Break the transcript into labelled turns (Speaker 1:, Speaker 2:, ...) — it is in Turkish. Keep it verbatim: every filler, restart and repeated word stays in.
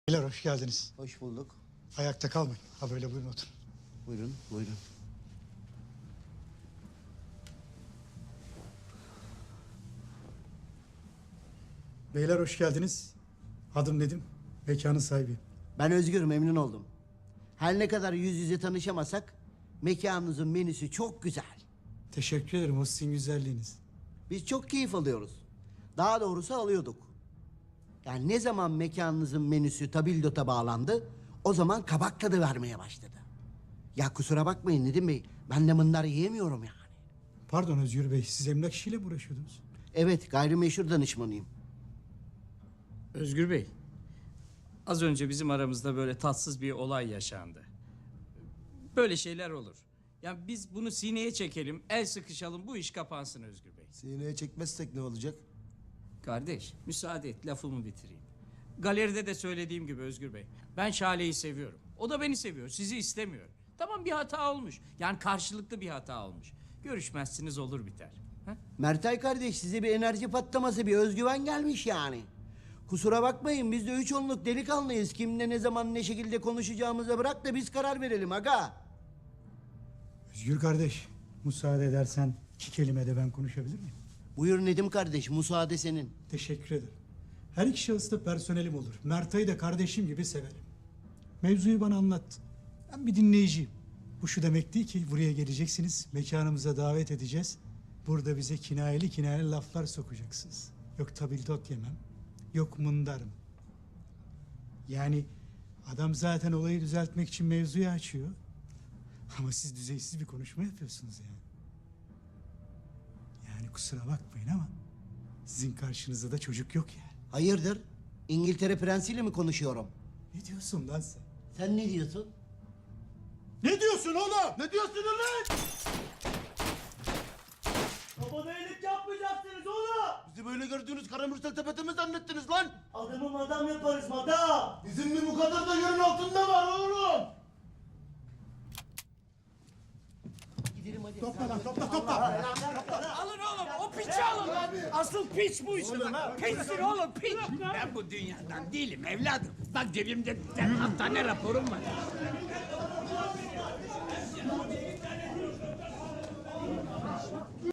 Speaker 1: Beyler hoş geldiniz.
Speaker 2: Hoş bulduk.
Speaker 1: Ayakta kalmayın. Ha böyle buyurun oturun.
Speaker 2: Buyurun, buyurun.
Speaker 1: Beyler hoş geldiniz. Adım Nedim. Mekanın sahibiyim.
Speaker 2: Ben Özgür, memnun oldum. Her ne kadar yüz yüze tanışamasak, mekanınızın menüsü çok güzel.
Speaker 1: Teşekkür ederim o sizin güzelliğiniz.
Speaker 2: Biz çok keyif alıyoruz. Daha doğrusu alıyorduk. Yani ne zaman mekanınızın menüsü tabildota bağlandı, o zaman kabak tadı vermeye başladı. Ya kusura bakmayın Nedim Bey, ben de mınlar yiyemiyorum yani.
Speaker 1: Pardon Özgür Bey, siz emlak işiyle mi uğraşıyordunuz?
Speaker 2: Evet, gayrimeşhur danışmanıyım.
Speaker 3: Özgür Bey, az önce bizim aramızda böyle tatsız bir olay yaşandı. Böyle şeyler olur. Yani biz bunu sineye çekelim, el sıkışalım, bu iş kapansın Özgür Bey.
Speaker 4: Sineye çekmezsek ne olacak?
Speaker 3: Kardeş, müsaade et, lafımı bitireyim. Galeride de söylediğim gibi Özgür Bey, ben Şale'yi seviyorum. O da beni seviyor, sizi istemiyor. Tamam bir hata olmuş, yani karşılıklı bir hata olmuş. Görüşmezsiniz olur biter. Ha?
Speaker 2: Mertay kardeş, size bir enerji patlaması, bir özgüven gelmiş yani. Kusura bakmayın, biz de üç onluk delikanlıyız. Kimle ne zaman ne şekilde konuşacağımıza bırak da biz karar verelim aga.
Speaker 1: Özgür kardeş, müsaade edersen iki kelime de ben konuşabilir miyim?
Speaker 2: Buyur Nedim kardeş, müsaade senin.
Speaker 1: Teşekkür ederim. Her iki şahıs da personelim olur. Mertay'ı da kardeşim gibi severim. Mevzuyu bana anlattı. Ben bir dinleyiciyim. Bu şu demek değil ki buraya geleceksiniz, mekanımıza davet edeceğiz. Burada bize kinayeli kinayeli laflar sokacaksınız. Yok tabildot yemem, yok mındarım. Yani adam zaten olayı düzeltmek için mevzuyu açıyor. Ama siz düzeysiz bir konuşma yapıyorsunuz yani. Yani kusura bakmayın ama sizin karşınızda da çocuk yok yani.
Speaker 2: Hayırdır? İngiltere prensiyle mi konuşuyorum?
Speaker 1: Ne diyorsun lan sen?
Speaker 2: Sen ne diyorsun?
Speaker 1: Ne diyorsun oğlum? Ne diyorsun lan?
Speaker 5: Bana iyilik yapmayacaksınız oğlum.
Speaker 4: Bizi böyle gördüğünüz karamürsel tepete mi zannettiniz lan?
Speaker 5: Adamı madam yaparız madam.
Speaker 4: Bizim bir bu kadar da yerin altında var oğlum.
Speaker 2: Gidelim hadi.
Speaker 1: Topla lan topla topla.
Speaker 3: Alın oğlum, o piçi alın lan. Asıl piç bu işte. Piçsin oğlum, piç.
Speaker 6: Ben bu dünyadan değilim evladım. Bak cebimde hastane raporum var.